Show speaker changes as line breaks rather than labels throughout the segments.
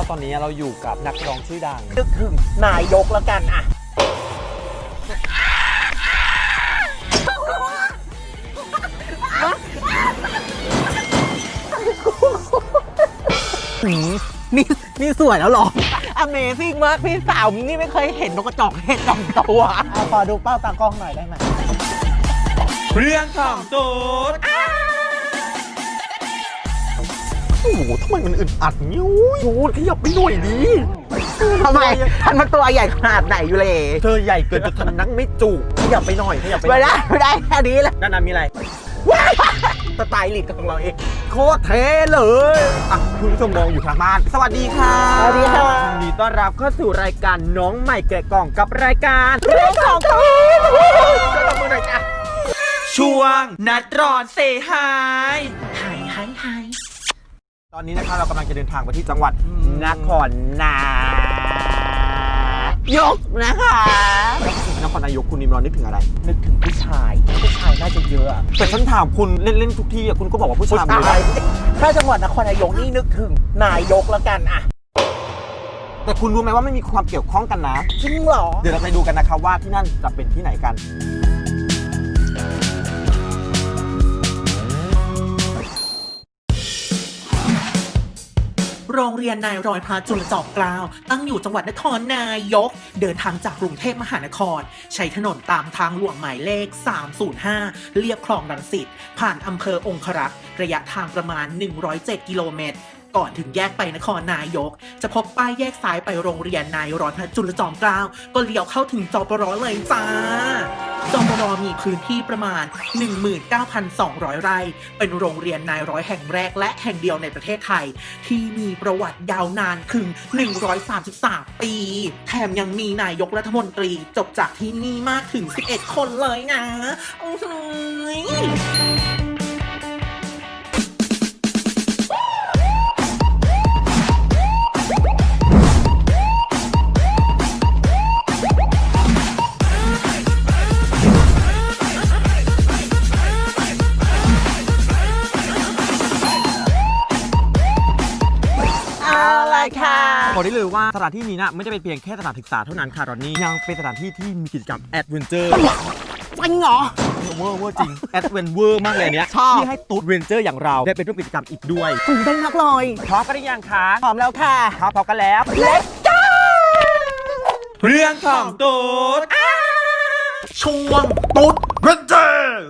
ตอนนี้เราอยู่กับนักร้องชื่อดัง
นึกถึงนายกแล้วกันอะนี่สวยแล้วหรอ Amazing มากพี่สาวนี่ไม่เคยเห็นนกกระจอกเห็ด2 ตัวขอดูเป้าตากล้องหน่อยได้ไหม
เรื่องของตูดโอ้โหทำไมมันอึดอัดนิ้วยูขยับไปหน่อยดิ
ทำไมท่านมันตัวใหญ่ขนาดไหนอยู่เลย
เธอใหญ่เกินจนทำนั่งไม่จุขยับไปหน่อยขยับไป
ไม่ได้แค่นี้แหละ
ด้านนั้นมีอะไร
สไตล์ลิสต์ของเราเอง
โคตรเท่เลยคุณผู้ชมมองอยู่ทางบ้านสวัสดีค่ะ
สวัสดีค่ะ
ยินดีต้อนรับเข้าสู่รายการน้องใหม่แกะกล่องกับรายการ
เรื่องของตูด
ก็ตบมือหน่อยจ้ะช่วงนัดร้อนเซฮายตอนนี้นะคะเรากำลังจะเดินทางไปที่จังหวัดนครนายกนะคะนครนายกคุณนิมรอนนึกถึงอะไร
นึกถึงผู้ชายน่าจะเยอะ
แต่ฉันถามคุณเล่นทุกที่คุณก็บอกว่าผู้ชาย
ถ้าจังหวัดนครนายกนี่นึกถึงนายกแล้วกันอะ
แต่คุณรู้ไหมว่าไม่มีความเกี่ยวข้องกันนะ
จริงเหรอ
เดี๋ยวเราไปดูกันนะครับว่าที่นั่นจะเป็นที่ไหนกัน
โรงเรียนนายร้อยพระจุลจอมเกล้าตั้งอยู่จังหวัดนครนายกเดินทางจากกรุงเทพมหานครใช้ถนนตามทางหลวงหมายเลข305เลียบคลองรังสิตผ่านอำเภอองครักษ์ระยะทางประมาณ107 กิโลเมตรก่อนถึงแยกไปนครนายกจะพบป้ายแยกซ้ายไปโรงเรียนนายร้อยพระจุลจอมเกล้าก็เลี้ยวเข้าถึงจปรเลยจ้าจปรมีพื้นที่ประมาณ 19,200 ไร่เป็นโรงเรียนนายร้อยแห่งแรกและแห่งเดียวในประเทศไทยที่มีประวัติยาวนานถึง133 ปีแถมยังมีนายกรัฐมนตรีจบจากที่นี่มากถึง11 คนเลยนะ
บอกได้เลยว่าสถานที่นี้นะไม่ได้เป็นเพียงแค่สถานศึกษาเท่านั้นค่ะตอนนี้ยังเป็นสถานที่ที่มีกิจกรรมแอดเวนเจอร์
จริงเหรอ
เวอร์จริงแอดเวนเวอร์มากเลยเนี้ยที่ให้ตุ๊ดเวนเจอร์อย่างเราได้เป็นร่วมกิจกรรมอีกด้วย
ตื่นเต้นมากเลย
พร้อมกันหรือยังคะ
พร้อมแล้วค่ะ
พร้อมกันแล้ว
Let's go
เรื่องของตุ๊ด
ช่วงตุ๊ด
เวนเจอร์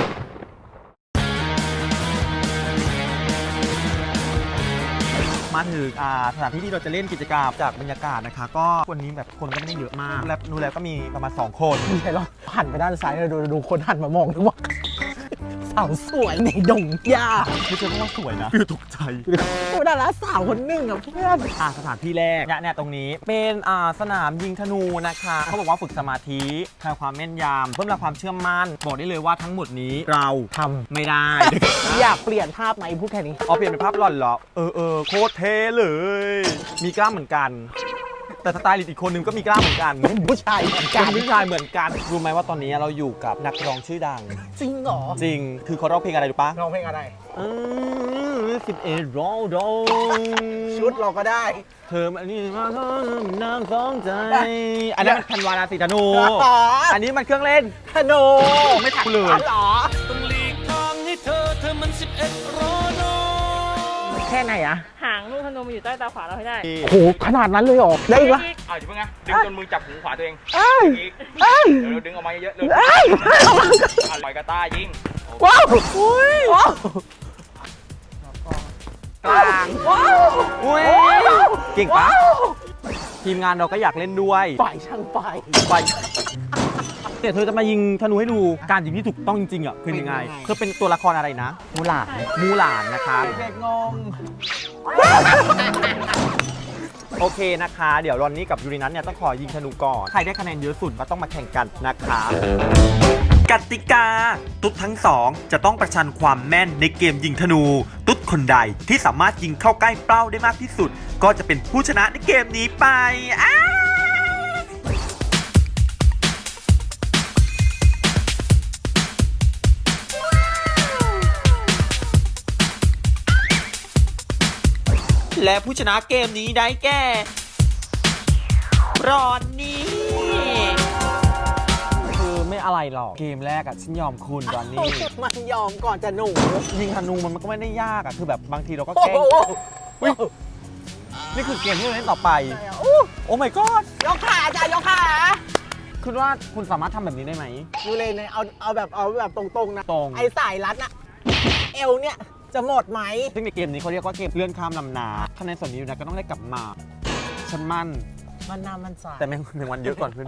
มาถึงสถานที่ที่เราจะเล่นกิจกรรมจากบรรยากาศนะคะก็วันนี้แบบคนก็ไม่ได้เยอะมากแล้วดูแล้วก็มีประมาณ2 คน
ไม่ใช่หรอหันไปด้านซ้ายเลยดูคนหันมามองดูว่าสาวสวยในดงหญ้า
ไม่ใช่เพราะว่าสวยนะคือตกใจ
ดาราสาวคนหนึ่งอ่ะเพื่อน
สถานที่แรกเนี่ยตรงนี้เป็นสนามยิงธนูนะคะเขาบอกว่าฝึกสมาธิทำความแม่นยำเพิ่มความเชื่อมั่นบอกได้เลยว่าทั้งหมดนี้เราทำไม่ได้
อยากเปลี่ยนภาพไหมพูดแค่นี้
เปลี่ยนเป็นภาพหล่อนเหรอโคตรเท่เลยมีกล้ามเหมือนกันแต่สไตล์อีกคนนึงก็มีกล้ามเหมือนกัน
ผู้ชายเหมือนกัน
ผู้ชายเหมือนกันรู้ไหมว่าตอนนี้เราอยู่กับนักร้องชื่อดัง
จริงเหรอ
จริงคือเขาร้องเพลงอะไรรู้ปะ
ร้องเพลงอะไร
11ร้อง
ชุดเราก็ได้
เธออันนี้มาน้ำสองใจอันนั้นมันธันวาราศีธนูอันนี้มันเครื่องเล่น
ธนู
ไม่ถักเลย
ต้องหลีกทางให้เธอมัน11ร้อน
แค่ไหนอะ
หางลูกธนูมันอยู่ใต้ตาขวาเราให้ได้
โอ้โหขนาดนั้นเลยเหรอได้อีกวะ
อย่าเพิ่งนะดึงจนมือจับหูขวาตัวเองอีกเดี๋ยวดึงออกมาเยอะๆเลยปล่อยกระต้ายิง
ว้าวอุ้ยว้าว
กลางว้าวอุ้ยเก่งปะทีมงานเราก็อยากเล่นด้วย
ฝ่ายช่างไฟ
เนี่ยเธอจะมายิงธนูให้ดูการยิงที่ถูกต้องจริงๆคือยังไงเธอเป็นตัวละครอะไรนะ
มูห
ลานนะคะ
เด็กงง
โอเคนะคะเดี๋ยวรอนนี่กับยูรินัทเนี่ยต้องขอยิงธนูก่อนใครได้คะแนนเยอะสุดก็ต้องมาแข่งกันนะคะกติกาตุ๊ดทั้งสองจะต้องประชันความแม่นในเกมยิงธนูตุ๊ดคนใดที่สามารถยิงเข้าใกล้เป้าได้มากที่สุดก็จะเป็นผู้ชนะในเกมนี้ไปและผู้ชนะเกมนี้ได้แก่รอนนี่ คือไม่อะไรหรอก เกมแรกอะฉันยอมคุณรอนนี่
มันยอมก่อนจะหนู
ยิงธนูมันก็ไม่ได้ยากอะคือแบบบางทีเราก็แกล้งอุ๊ยนี่คือเกมที่เราเล่นต่อไป โอ้ my god
ยกขาจ้ะยกขา
คุณว่าคุณสามารถทำแบบนี้ได้ไหม
ดูเลยเนี่ยเอาแบบตรงๆนะ
ตรง
ไอ้สายรัดอะเอวเนี่ยจะหมดไหม
ซึ่งในเกมนี้เขาเรียกว่าเกมเลื่อนข้ามลำนาคะแนนส่วนนี้อยู่นะก็ต้องได้กลับมา ฉันมั่น
มันน้ำมันสาย
แต่แมงวันเยอะก่อนเพื่อน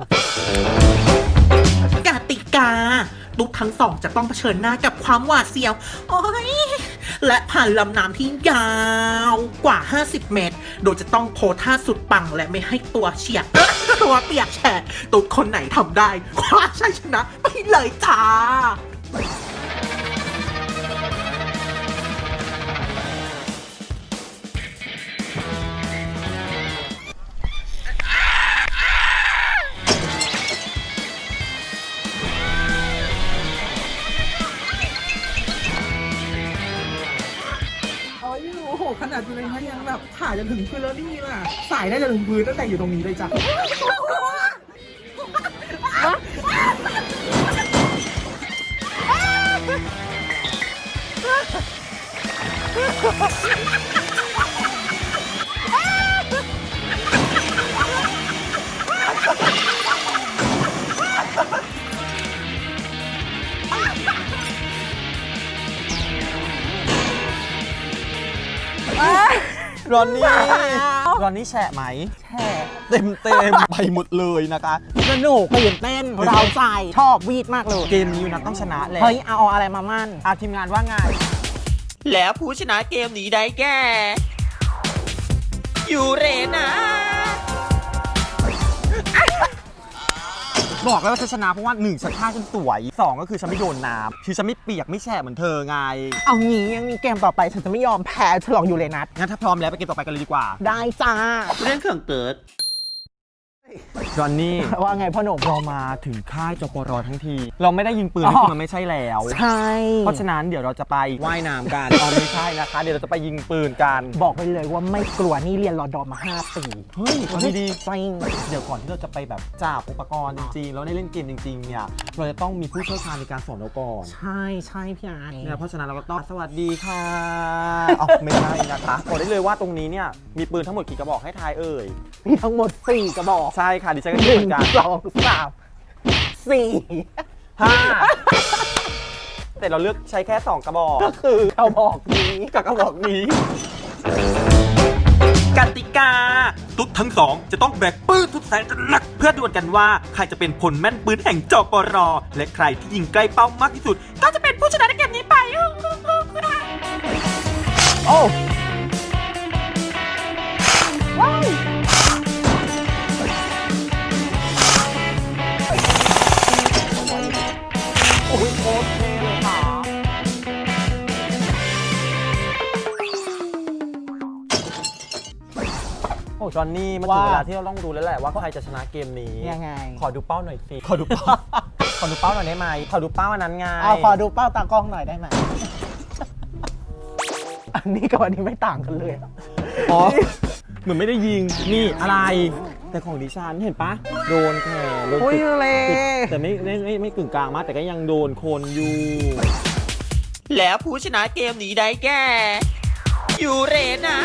กติกาตุ๊กทั้งสองจะต้องเผชิญหน้ากับความหวาดเสียว โอ้ย และผ่านลำน้ำที่ยาวกว่า 50 เมตร โดยจะต้องโพสท่าสุดปังและไม่ให้ตัวเฉียด ตัวเปียกแฉะตุ๊กคนไหนทำได้คว้าชัยชนะไปเลยจ้า
โอ้โหขนาดอยู่ในนั้นยังแบบขาจะถึงพื้นแล้วนี่ล่ะ สายน่าจะถึงพื้นตั้งแต่อยู่ตรงนี้เลยจ้ะ
รอนนี่ รอนนี่แฉะไหม
แช่
เต็มไปหมดเลยนะคะ
สนุกตื่นเต้นเราใจชอบวีดมากเลย
เกมนี้อยู่นะต้องชนะแหละ
เฮ้ยเอาอะไรมามั่น
ทีมงานว่าไง แล้วผู้ชนะเกมนี้ได้แก่ยูเรนา บอกแล้วว่าฉันชนะเพราะว่า1ฉันท่าฉันสวย2ก็คือฉันไม่โดนน้ำคือฉันไม่เปียกไม่แฉะเหมือนเธอไง
เอางี้ยังมีเกมต่อไปฉันจะไม่ยอมแพ้ฉลองยูเรนัส
งั้นถ้าพร้อมแล้วไปเกมต่อไปกันเลยดีกว่า
ได้จ้า
เรื่องเครื่องเกิดรอนนี่
ว่าไงพ่อหนุ่ม
เรามาถึงค่ายจปรทั้งที เราไม่ได้ยิงปืนนี่คือมันไม่ใช่แล้ว
ใช่
เพราะฉะนั้นเดี๋ยวเราจะไปว่ายน้ำกัน ไม่ใช่นะคะ เดี๋ยวเราจะไปยิงปืนกัน
บอกไปเลยว่าไม่กลัวนี่เรียนรอดอมา 5 ปี
เฮ้ยเอาดี
จริง
ๆเดี๋ยวก่อนที่เราจะไปแบบจับอุปกรณ์จริงๆแล้วได้เล่นเกมจริงๆเนี่ยเราจะต้องมีผู้เชี่ยวชาญในการสอนเราก่อน
ใช่ใช่พี่ไอ้
เนี่ยเพราะฉะนั้นเราก็ต้องสวัสดีค่ะอ๋อไม่ใช่นะคะบอกได้เลยว่าตรงนี้เนี่ยมีปืนทั้งหมดกี่กระบอกให้ทายเอ่ย
มีทั้งหมด 4 กระบอก
ใช่ค่ะดิฉันก็คิดเหมือนกัน
1 2 3 4
5แต่เราเลือกใช้แค่2กระบอก
ก็คือกระบอกนี้
กับกระบอกนี้ กติกา ตุ๊ดทั้งสองจะต้องแบกปืนทุกแสนจะหนักเพื่อดวลกันว่าใครจะเป็นพลแม่นปืนแห่งจปรและใครที่ยิงใกล้เป้ามากที่สุด ก็จะเป็นผู้ชนะในเกมนี้ไป
โอ้โอ้ยโอเคเลยค่ะ
โอ้จอนนี่มาถึงเวลาที่เราต้องดูแล้วแหละว่าใครจะชนะเกมนี้
ยังไง
ขอดูเป้าหน่อยสิ ขอดูเป้า ขอดูเป้าหน่อยได้ไหม ขอดูเป้าอันนั้นไง
เอาขอดูเป้าตากล้องหน่อยได้ไหม อันนี้กับอันนี้ไม่ต่างกันเลย
อ๋อ เหมือนไม่ได้ยิง นี่อะไร แต่ของดิฉันเห็นปะโดนแขนโดน
อุ้ย
จุด
เลย
แต่ไม่กึ่งกลางมากแต่ก็ยังโดนคนอยู่ แล้วผู้ชนะเกมนี้ได้แก่ยูเรนา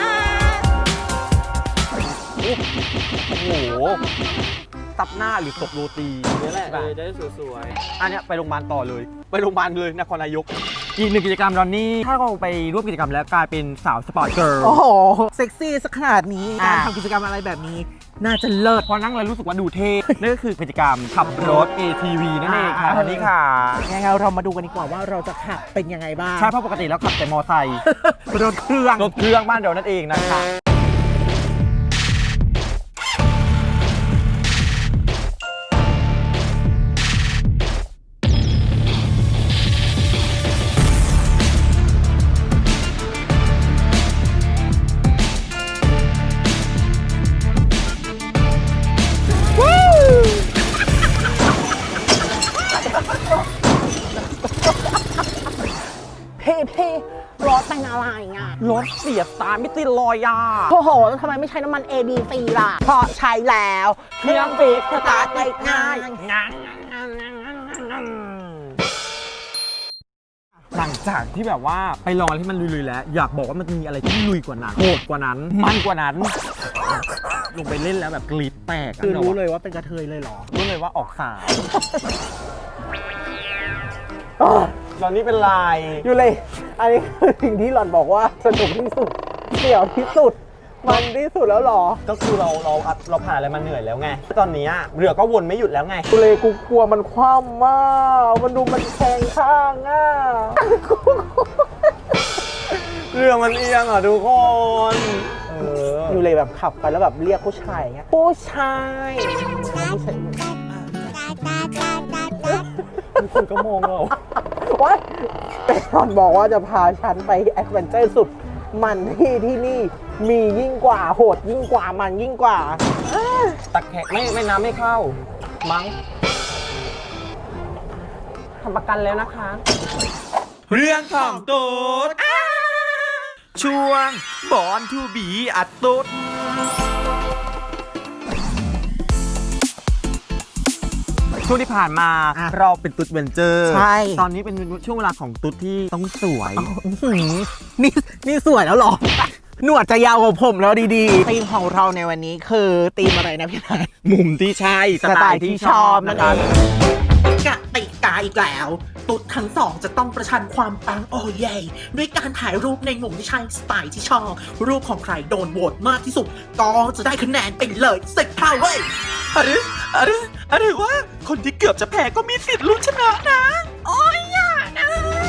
โอ้โหตับหน้าหรือตกโรตีนี่แหละ
จะได้สวย
อันเนี้ยไปโรงพยาบาลต่อเลย ไปโรงพยาบาลเลยนครนายก อีกหนึ่งกิจกรรมรอนนี่ ถ้าเราไปร่วมกิจกรรมแล้วกลายเป็นสาวสปอร์ตเกิร์ล
โอ้โห เซ็กซี่สักขนาดนี้
อ่า
การทำกิจกรรมอะไรแบบนี้ น่าจะเลิศ
พอนั่งแล้วรู้สึกว่าดูเท่ นั่นก็คือกิจกรรมขับรถ ATV นั่นเองค่ะ
อ่า
รอนนี่ค่ะ
ยังไงเรามาดูกันดีกว่าว่าเราจะขับเป็นยังไงบ้าง
ใช่เพราะปกติแล้วขับแต่มอไซค์
รถเครื่อง
รถเครื่องบ้านเรานั่นเองนะคะ
พี่รถเป็นอะไรอ่ะ
รถเสียตาไม่ติดรอยอ่ะ
โอ้โหทำไมไม่ใช้น้ำมัน ABC ล่ะเพราะใช้แล้วเครื่องฟิกสตาร์ทติดง่าย
หลังจากที่แบบว่าไปลองอะไรที่มันลุยๆแล้ว อยากบอกว่ามันจะมีอะไรที่ลุยกว่านั้นโหดกว่านั้น มันกว่านั้น ลงไปเล่นแล้วแบบกรีดแตก
คือรู้เลยว่าเป็นกระเทยเลยเหรอ
รู้เลยว่าออกสาวตอนนี้เป็นลาย
อยู่เลย อันนี้คือสิ่งที่หล่อนบอกว่าสนุกที่สุดเสี่ยวที่สุด มันที่สุดแล้วเหรอ
ก็คือเราผ่านอะไรมาเหนื่อยแล้วไงตอนนี้เรือก็วนไม่หยุดแล้วไง
กูเลยกูกลัวมันคว่ำมากมันดูมันแทงข้างอ่ะ
เรือมันเอียงทุกคน
อยู่เลยแบบขับไปแล้วแบบเรียกผู้ชายอย่างเงี้ยผู้ชาย
ทุกคนก็มองเรา
ว่าแต่หล่อนบอกว่าจะพาฉันไปแอดเวนเจอร์สุดมันที่นี่มียิ่งกว่าโหดยิ่งกว่ามันยิ่งกว่า
ตะแคงไม่น้ำไม่เข้ามั้งทำประกันแล้วนะคะ เรื่องของตูดช่วงบอนทูบีอัดตูดช่วงที่ผ่านมาเราเป็นตุ๊ดเวนเจอร์
ใช่
ตอนนี้เป็นช่วงเวลาของตุ๊ดที่ต้องสวย
นี่สวยแล้วเหรอ หนวดจะยาวกว่าผมแล้วดีๆธีมของเราในวันนี้คือธีมอะไรนะพี่นาย
มุมที่ใช่สไตล์ที่ชอบนะครับ
กติกาอีกแล้ว ตุ๊ดทั้งสองจะต้องประชันความปังโอ้เย่ด้วยการถ่ายรูปในมุมที่ใช่สไตล์ที่ชอบ รูปของใครโดนโหวตมากที่สุด ก็จะได้คะแนนไปเลย10เท่าเว้ยอะไรว่าคนที่เกือบจะแพ้ก็มีสิทธิ์ลุ้นชนะนะ โอ้ยอย่านะ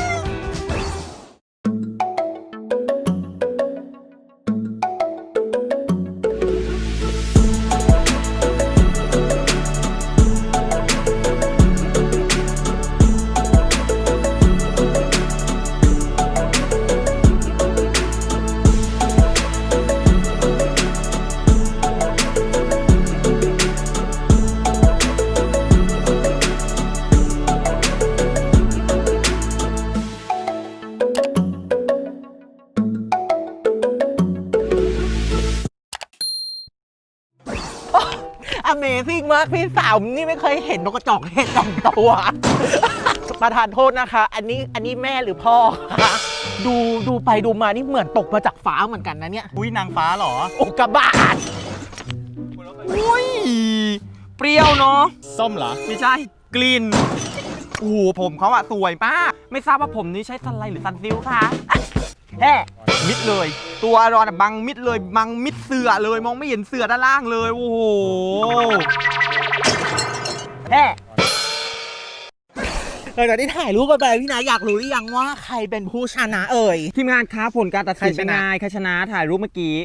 Amazing มากพี่สาวนี่ไม่เคยเห็นนกกระจอกเห็ด2 ตัว ประทานโทษนะคะ อันนี้แม่หรือพ่อคะดูไปดูมานี่เหมือนตกมาจากฟ้าเหมือนกันนะเนี่ย
อุ้ยนางฟ้าเหรอ
อุกกาบาต
อุ้ยเปรี้ยวเนาะ
ส้มเหรอ
ไม่ใช่กลิ่นโอ้โหผมเขาสวยมากไม่ทราบว่าผมนี้ใช้ซันไลท์หรือซันซิลคะแฮ่มิดเลย ตัวรอนบังมิดเลยบังมิดเสือเลยมองไม่เห็นเสือด้านล่างเลยโอ้โหแฮ่
หลังจากที่ถ่ายรูปกันไปพี่นายอยากรู้หรือยังว่าใครเป็นผู้ชนะเอ่ย
ทีมงานค้าผลการตัดสิน
ใครช
เป็น
นะ
ไงใครชนะถ่ายรูปเมื่อกี้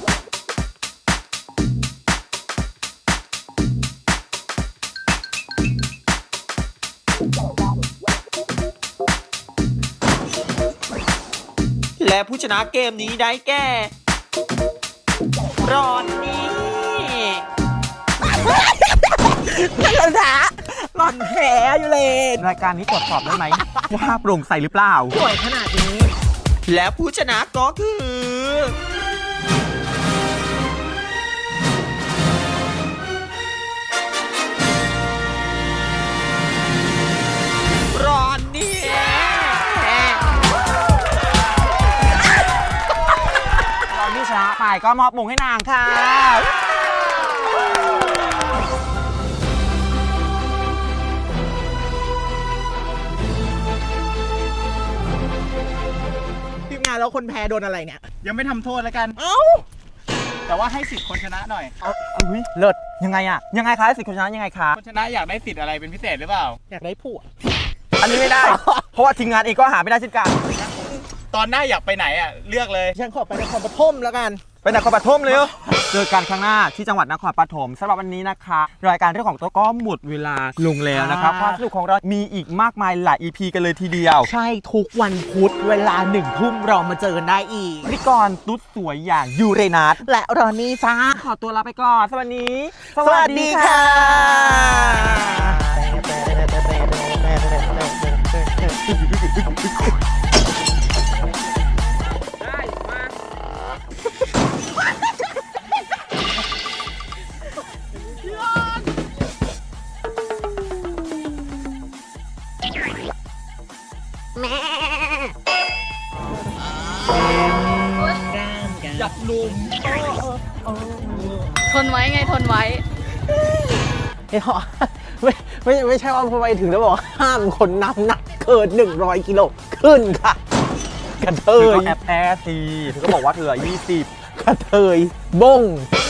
และผู้ชนะเกมนี้ได้แก่รอนนี่
หล่อนแผลอยู่เลย
รายการนี้ตรวจสอบได้ไหม ว่าโปร่งใสหรือเปล่า
สวยขนาดนี้
และผู้ชนะก็คือ รอนนี่รอนนี่ชนะไปก็มอบมงให้นางค่ะ
ทีมงานแล้วคนแพ้โดนอะไรเนี่ย
ยังไม่ทำโทษแล้วกัน
เอ้า
แต่ว่าให้สิทธิ์คนชนะหน่อย
อุ้ยเลิศยังไงอะยังไงคะสิทธิ์คนชนะยังไงคะ
คนชนะอยากได้สิทธิ์อะไรเป็นพิเศษหรือเปล่า
อยากได้ผัว
อันนี้ไม่ได้ เพราะว่าทีมงานเองก็หาไม่ได้เช่นกัน
ตอนหน้าอยากไปไหนเลือกเลย
ฉันขอไปนครปฐมแล้วกัน
ไปนครปฐมเลยเจอกันครั้งหน้าที่จังหวัดนครปฐมสำหรับวันนี้นะคะ รายการเรื่องของตัวก็หมดเวลาลงแล้วนะครับความสนุกของเรามีอีกมากมายหลาย EP กันเลยทีเดียว
ใช่ทุกวันพุธเวลา1 ทุ่มเรามาเจอกันได้อีก
พิธีกรตุ๊ดสวยอย่างยูเรนัส
และรอนนี่จ้า
ขอตัวลาไปก่อนสวัสดี
สวัสดีค่ะ
หนุ่ม
ทนไว้ไงทนไว้
ไม่พอไม่ใช่ว่าพอไปถึงแล้วบอกว่าห้ามคนน้ำหนักเกิน100 กิโลขึ้นค่ะ กระเท
เธอย ก็แอบแอร์สิเธอก็บอกว่าเธอ20
กระเทยบง